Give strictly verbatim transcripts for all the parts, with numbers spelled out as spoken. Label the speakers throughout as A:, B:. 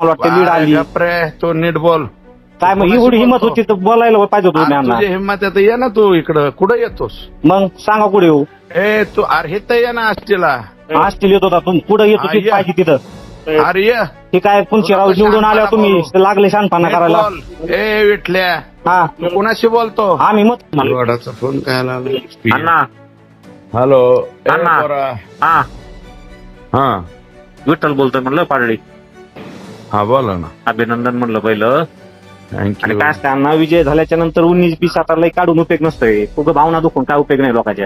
A: मला वाटतं लीड आली
B: गप्रे तो नीट बोल.
A: काय मग एवढी हिंमत होती तर बोलायला पाहिजे होतं तुम्ही अण्णा.
B: तुझी हिंमत आहे तर ये ना तू इकडं. कुठं येतोस?
A: मग सांगा कुठे येऊ.
B: ए तू अरे तर ये ना आष्टीला.
A: आष्टील येत होता तुम्ही पुढे येत होती पाहिजे तिथं.
B: अरे ये
A: हे काय पुंचीराव निवडून आल्यावर तुम्ही लागले शानपणा करायला.
B: बोल. ए विठल्या
A: हा
B: तू कोणाशी बोलतो?
A: आम्ही मत
B: वडाचा फोन काय आला?
A: अण्णा
B: हॅलो
A: अण्णा. हा
B: हा
A: विठ्ठल बोलतोय म्हणलं पाडळी.
B: हा बोला ना.
A: अभिनंदन म्हणलं पहिलं. आणि
B: थँक्यू.
A: काय असतं अण्णा विजय झाल्याच्या नंतर उन्नीस बीस आता लई काढून उपयोग नसतोय. उगं भावना दुखून काय उपयोग नाही लोकांच्या.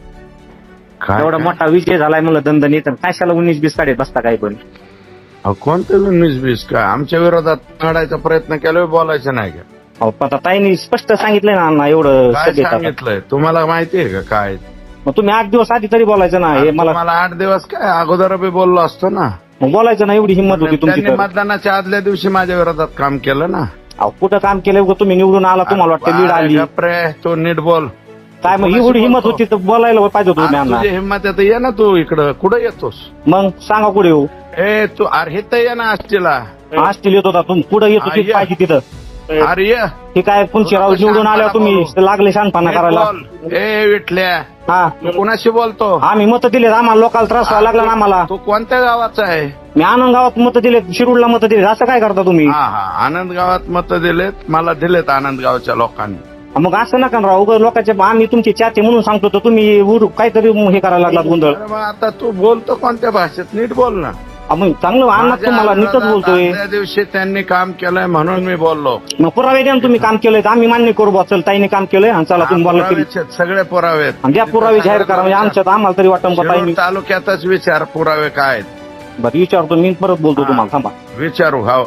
B: काय
A: एवढा मोठा विजय झालाय म्हणलं दणदणीत कशाला उन्नीस बीस काढत बसता काय पण.
B: अहो, कोणतं उन्नीस बीस काय आमच्या विरोधात काढायचा प्रयत्न केला बोलायचं नाही का?
A: अहो, पण आता ताईंनी स्पष्ट सांगितलंय ना अण्णा एवढं
B: काय
A: सगळे आता.
B: सांगितलंय तुम्हाला माहितीये का काय?
A: मग तुम्ही आठ दिवस आधी तरी बोलायचं ना. हे मला
B: मला आठ दिवस काय अगोदर बी बोललो असतो ना.
A: मग बोलायचं ना. एवढी हिंमत होती तुमची
B: त्यांनी
A: तर.
B: मतदानाच्या आदल्या दिवशी माझ्या विरोधात काम केलं ना.
A: अहो, कुठं काम केलं उगाच तुम्ही निवडून आला तुम्हाला वाटतं लीड आली.
B: गप्रे तो नीट बोल.
A: काय मग एवढी हिंमत होती तर बोलायला पाहिजे होतं तुम्ही अण्णा.
B: तुझी हिंमत आहे तर ये ना तू इकडं. कुठं येतोस?
A: मग सांगा कुठे येऊ.
B: ए तू अरे तर ये ना आष्टीला.
A: आष्टील येत होता तुम्ही पुढे येत होती
B: हा, ये.
A: पाहिजे तिथं.
B: अरे ये.
A: हे काय पुंचीराव निवडून आल्यावर तुम्ही लागले शानपणा
B: नीट
A: करायला.
B: बोल. ए विठल्या
A: हा
B: तू कोणाशी बोलतो?
A: आम्ही मत दिलेत. आम्हाला लोकांना त्रास व्हायला लागला ना आम्हाला.
B: तू कोणत्या गावाचा आहे?
A: मी आनंद गावात मत दिलेत. शिरूरला मत दिलेत. असं काय करता तुम्ही.
B: हा हा आनंद गावात मत दिलेत. मला दिलेत आनंद गावच्या लोकांनी.
A: मग असं नका ना राव. उगाच लोकांचे आम्ही तुमचे चाहते म्हणून सांगतो तर तुम्ही उर- काहीतरी हे करायला लागला गोंधळ.
B: अरे मग आता तू बोलतो कोणत्या भाषेत? नीट बोल ना.
A: अहो, मग चांगलं अण्णा तुम्हाला नीटच
B: माझ्या
A: बोलतोय.
B: आदल्या दिवशी त्यांनी काम केलंय म्हणून मी बोललो.
A: मग पुरावे द्या ना तुम्ही काम केलंय तर आम्ही मान्य करू बा. चल ताईने काम केलंय आणि चला तुम्ही बोलला तरी
B: पुरावेच आहेत, सगळे पुरावे आहेत.
A: आणि द्या पुरावे जाहीर करा. म्हणजे आमच्यात आम्हाला तरी वाटतं का
B: शिरूर
A: ताईने.
B: तालुक्यातच विचार पुरावे काय आहेत.
A: बरं विचारतो मी परत बोलतो तुम्हाला. थांबा
B: विचारू. हा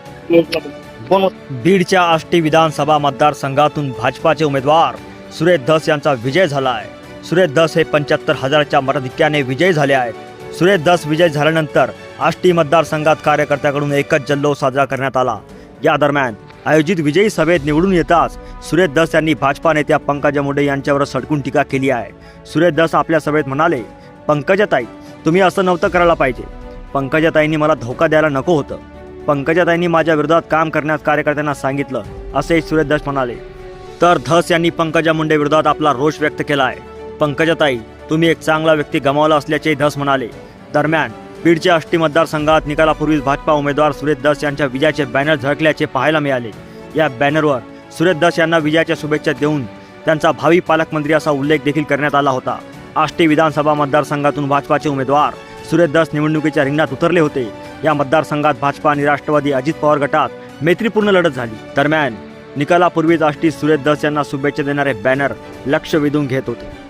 A: कोण
C: बीडच्या आष्टी विधानसभा मतदारसंघातून भाजपाचे उमेदवार सुरेश धस यांचा विजय झाला आहे. सुरेश धस हे पंच्याहत्तर हजाराच्या मताधिक्याने विजयी झाले आहेत. सुरेश धस विजय झाल्यानंतर आष्टी मतदारसंघात कार्यकर्त्याकडून एकच जल्लोष साजरा करण्यात आला. या दरम्यान आयोजित विजयी सभेत निवडून येताच सुरेश धस यांनी भाजपा नेत्या पंकजा मुंडे यांच्यावर सडकून टीका केली आहे. सुरेश धस आपल्या सभेत म्हणाले, पंकजाताई तुम्ही असं नव्हतं करायला पाहिजे. पंकजाताईंनी मला धोका द्यायला नको होतं. पंकजाताईंनी माझ्या विरोधात काम करण्यास कार्यकर्त्यांना सांगितलं असे सुरेश धस म्हणाले. तर धस यांनी पंकजा मुंडे विरोधात आपला रोष व्यक्त केला आहे. पंकजाताई तुम्ही एक चांगला व्यक्ती गमावला असल्याचे धस म्हणाले. दरम्यान बीडच्या आष्टी मतदारसंघात निकालापूर्वीच भाजपा उमेदवार सुरेश धस यांच्या विजयाचे बॅनर झळकल्याचे पाहायला मिळाले. या बॅनरवर सुरेश धस यांना विजयाच्या शुभेच्छा देऊन त्यांचा भावी पालकमंत्री असा उल्लेख देखील करण्यात आला होता. आष्टी विधानसभा मतदारसंघातून भाजपाचे उमेदवार सुरेश धस निवडणुकीच्या रिंगणात उतरले होते. या मतदारसंघात भाजपा आणि राष्ट्रवादी अजित पवार गटात मैत्रीपूर्ण लढत झाली. दरम्यान निकालापूर्वीच आष्टी सुरेश धस यांना शुभेच्छा देणारे बॅनर लक्ष वेधून घेत होते.